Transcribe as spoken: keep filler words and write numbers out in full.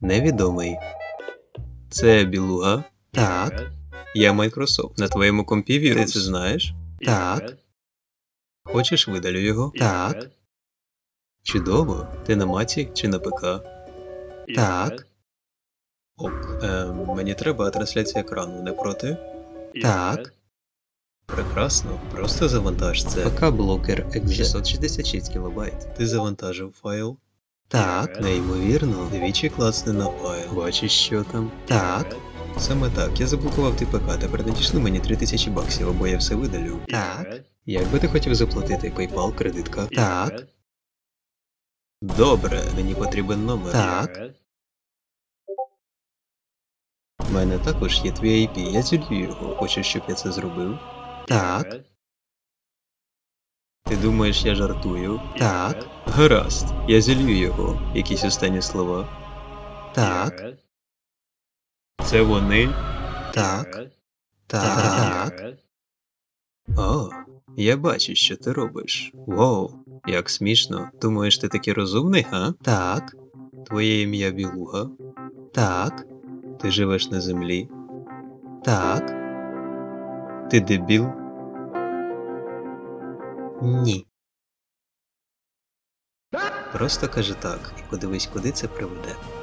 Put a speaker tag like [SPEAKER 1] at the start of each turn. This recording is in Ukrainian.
[SPEAKER 1] Невідомий. Це білуга? Так. Я Microsoft. На твоєму компі вірус. Ти це знаєш? Так. Хочеш видалю його? Так. Чудово. Ти на маці чи на ПК? Так. Ок. Ем, мені треба трансляція екрану, не проти? Так. Прекрасно. Просто завантаж це. ПК-блокер екс шістсот шістдесят шість кілобайт. Ти завантажив файл? Так. Неймовірно. Двічі клацни на файл. Бачиш, що там? Так. Саме так. Я заблокував ти ПК. Тепер надійшли мені три тисячі баксів, або я все видалю. Так. Як би ти хотів заплатити? PayPal, кредитка? Так. Добре. Мені потрібен номер. Так. У мене також є твій ай пі. Я зілью його. Хочеш, щоб я це зробив? Так. Ти думаєш, я жартую? Так. Гаразд. Я зілью його. Якісь останні слова? Так. Це вони? Так. Так. О, я бачу, що ти робиш. Воу, як смішно. Думаєш, ти такий розумний, га? Так. Твоє ім'я Білуга? Так. Ти живеш на землі? Так. Ти дебіл? Ні. Просто кажи так і подивись, куди це приведе.